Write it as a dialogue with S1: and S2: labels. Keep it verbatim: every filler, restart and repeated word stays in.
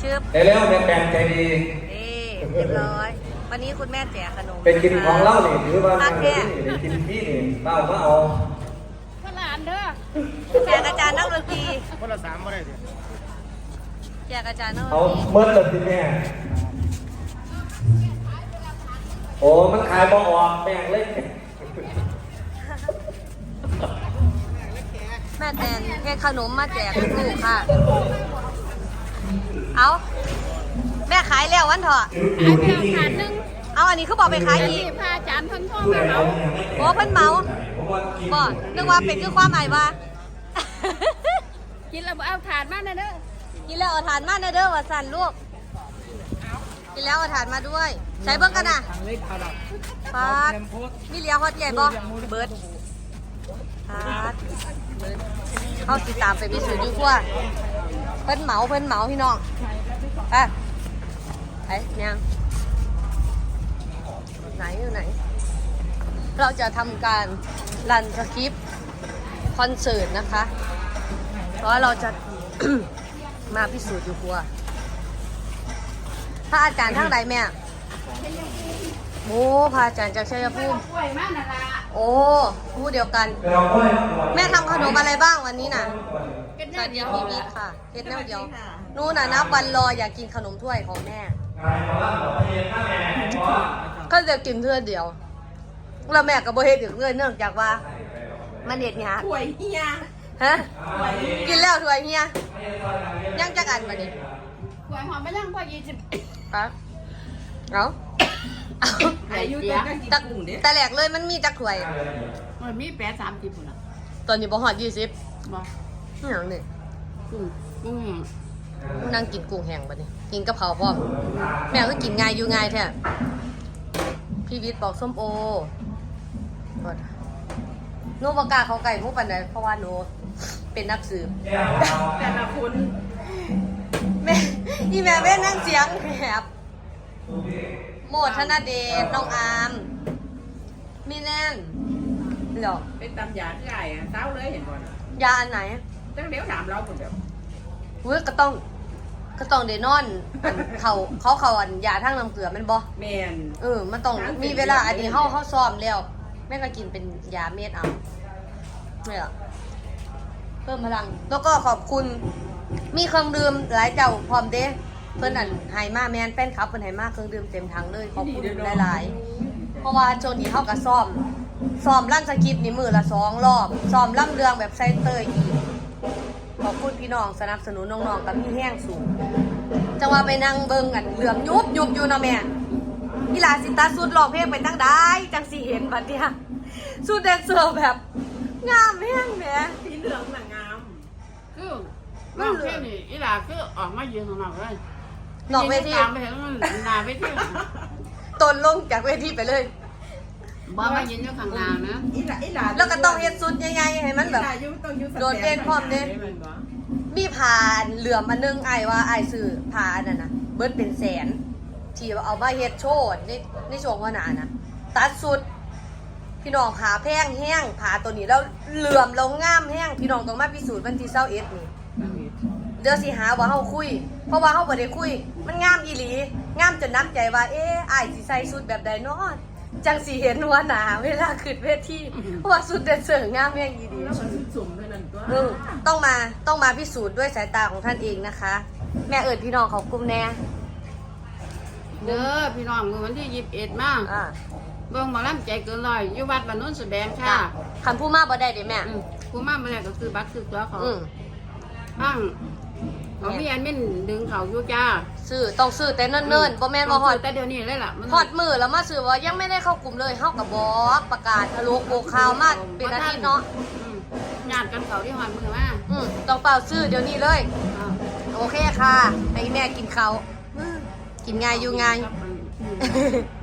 S1: ชืบ
S2: เร็วๆแม่แปลงใจดี
S1: นี่เรียบร้อยวันนี้คุณแม่แจกขนม
S2: เป็นกินของเล่านี่ถือว่า
S1: พักแค่
S2: เป็นกินพี่นี่เต้ามาเอา
S3: ขนาดเด้อ
S1: แจกอาจารย์นักดนตรี
S4: คนละสามไม่ได้สิ
S1: แจกอาจารย์นักดน
S2: เอา
S1: ตรี
S2: เมื่อเลยทีแม่โอ้มันขายบ่ออกแป้งเล็ก
S1: แม่แตนแค่ขนมมาแจกลูกค่ะเอาแม่ขายแล้ววันเถอะ
S3: ขายไปเอาถาดนึง
S1: เอาอันนี้เขาบอกไปขายอีก
S3: พาอาจารย์เพิ่นโทรมาเอา
S1: โอ้เพิ่นเมาบ่นึกว่าเป็นคือความหมายว่า
S3: กินแล้วบ่เอาถาดมานะเด้อ
S1: กินแล้วเอาถานมาเนอะเด้อว่าสั่นลูกกินแล้วเอาถานมาด้วย ใช้เบิ้งกันนะ
S4: ทางเล็กพาดับ
S1: ปาดมีเลี้ยงฮอตใหญ่บ่เบิร์ดปาดเบิร์ดเข้าติดตามไปพิสูจน์อยู่ขั้วเพิ่นเหมาเพิ่นเหมาพี่น้องไปไปยังไหนอยู่ไหน เราจะทำการรันสคริปต์คอนเสิร์ตนะคะ เพราะเราจะ มาพิสูจน์อยู่ครัวพระอาจารย์ทั้งใดแม่โอ้พระอาจารย์จากชัยภูมิ
S3: กล้วยมานั่นล่ะ
S1: โอ้ผู้เดียวกัน แม่ทำขนมอะไรบ้างวันนี้น่ะ
S3: เป็น
S1: ส
S3: หน้า
S1: วัสดี
S3: เดียว
S1: พี่บิ๊กค่ะเฮ็ดแนวเดียวนู่นน่ะนับวันรออยากกินขนมถ้วยของแม่ก็จะกินเพื่อเดียวแล้วแม่ก็บ่เฮ็ดอีกเลยเนื่องจากว่ามันเฮ็ดยาก
S3: กล้วยเฮีย
S1: ฮะกินแล้วถ้วยเฮียยังจักอันบัดนี้
S3: กล้วยหอมไปยังกว่ายี่สิบ
S1: ครับเอาเอา
S3: อายุตัวก็กิน
S1: แต่
S3: กุ้งเด้
S1: แต่แหลกเลยมันมีจักถ้วย
S3: มันมีแปดสามสิบพุ่นล่ะ
S1: ตอนนี้บ่ฮอดยี่สิบ
S3: บ่
S1: นี่หยังนี่
S3: กุ้งกุ้งแห้ง
S1: นั่งกินกุ้งแห้งบัดนี้ กินกะเพราพร้อมแม่ก็กินง่ายอยู่ง่ายแท้พี่วิทย์บอกส้มโอก่อนหนูบ่กล้าเข้าใกล้หมูปานใดเพราะว่าหนูเป็นนักสืบ
S3: แต่ละคน
S1: แม่อีแม่แม่นั่งเสียงแหบโมดธนเดชน้องอามมีแน่นเหรอ
S5: เป็นตำยาที่ไหนอ่ะเต้าเลยเห็นบ่น่ะ
S1: ยาอันไหน
S5: จังเดี๋ยวถามเราคนเดียว
S1: เว้ยก็ต้องก็ต้องเดนอนอันเขาเขาเขาอันยาทั้งน้ำเกลือแมันบ่
S5: แมน
S1: เออมันต้องมีเวลาอันนี้เฮาเฮาซ้อมแล้วแม่ก็กินเป็นยาเม็ดเอาเนี่ยเพิ่มพลังแล้วก็ขอบคุณมีเครื่องดื่มหลายเจ้าพร้อมเด้เพิ่นอันไฮมาแมนแฟนคลับเพิ่นไฮมาเครื่องดื่มเต็มถังเลยขอบคุณหลายๆเพราะว่าโจนี้เฮาก็ซ้อมซ้อมลั่นสคริปต์นี่มือละสองรอบซ้อมล่ำเรืองแบบไซเตอร์อีกขอบคุณพี่น้องสนับสนุนน้องๆกับพี่แห้งสูงจังว่าไปนั่งเบิ่งกันเหลือมยุบยุบอยู่เนาะแม่อีหลาสิตาสุดร้องเพลงไปตั้งได้จังสิเห็นบัดเนี่ยสุดแดนเซอร์แบบงามแห้งแหม
S5: สีเหลืองน่ะงาม
S3: คือน้องแค่นี้อีหล่าคือออกมายืนข้างนอกเลย
S1: นอกเวที
S3: ตามไปเห็นมันหน้าเวที
S1: ตนลงจากเวทีไปเลย
S3: บ่มายืนอยู่ข้างหน้านะ
S5: อีหลาอีหลา
S1: แล้วก็ต้องเฮ็ดสุดยังไงให้มันแบบ
S5: อีหลาอยู่ต้องอยู่สแตน
S1: โดดเด่นพร้อมเด้
S5: แม่นบ่
S1: มีผ่านเหลื่อมอันนึงไอ้ายว่าไอ้ายซื้อผ่าอันนั้นนะเบิดเป็นแสน ที่เอามาเฮ็ดโชว์ในในช่วงวันนั้นนะตัดสุด พี่น้องผ่าแพงแห้งผ่าตัวนี้แล้วเหลื่อมแล้วงามแห้งพี่น้องต้องมาพิสูจน์วันที่เศร้าเอ็ดนี่เดี๋ยวสิหาว่าเฮาคุย เพราะว่าเฮาบ่ได้คุย มันงามอีหลีงามจนนักใจว่าเอ๊ะอ้ายสิใส่สุดแบบใดเนาะจังสิเห็นหัวหนาเวลาขึ้นเวทีเพราะว่าสุดแดนเซอร์งามแห้งอีหลี
S5: แล้วมันสุ่มๆด้วยนั่นก็
S1: อืมต้องมาต้องมาพิสูจน์ด้วยสายตาของท่านเองนะคะ แม่เอิดพี่น้องเขากลุ่มแน่
S3: เด้อพี่น้องมื้อวันที่ยี่สิบเอ็ดมา
S1: อ่า
S3: เบิ่งหมอลำใจเกินร้อยอยู่วัดบ้านโน้นสแบงค่ะ
S1: คันผู้มาบ่ได้เด้แม่
S3: อืมผู้มาเมื่อไหร่ก็คือบัตรคือตัวเขา
S1: อืม
S3: บ้างเอาพี่แอนมินดึงเขาอยู่จ้า
S1: ซื้อต้องซื้อแต่เนิ่นๆบ่แม่นว่าฮอด
S3: แต่เดี๋ยวนี้เลยล่ะมัน
S1: ฮอดมือแล้วมาซื้อว่ายังไม่ได้เข้ากลุ่มเลยเฮากับบอกประกาศทะลุโบกข่าวมาเป็นอาทิตย์เนาะ
S3: อืมญาติกันเขาที่หอดมือมา
S1: อืมต้องเป่าซื้อเดี๋ยวนี้เลย
S3: อ่า
S1: โอเคค่ะให้แม่กินข้าวอืมกินง่ายอยู่ง่าย
S3: ครับ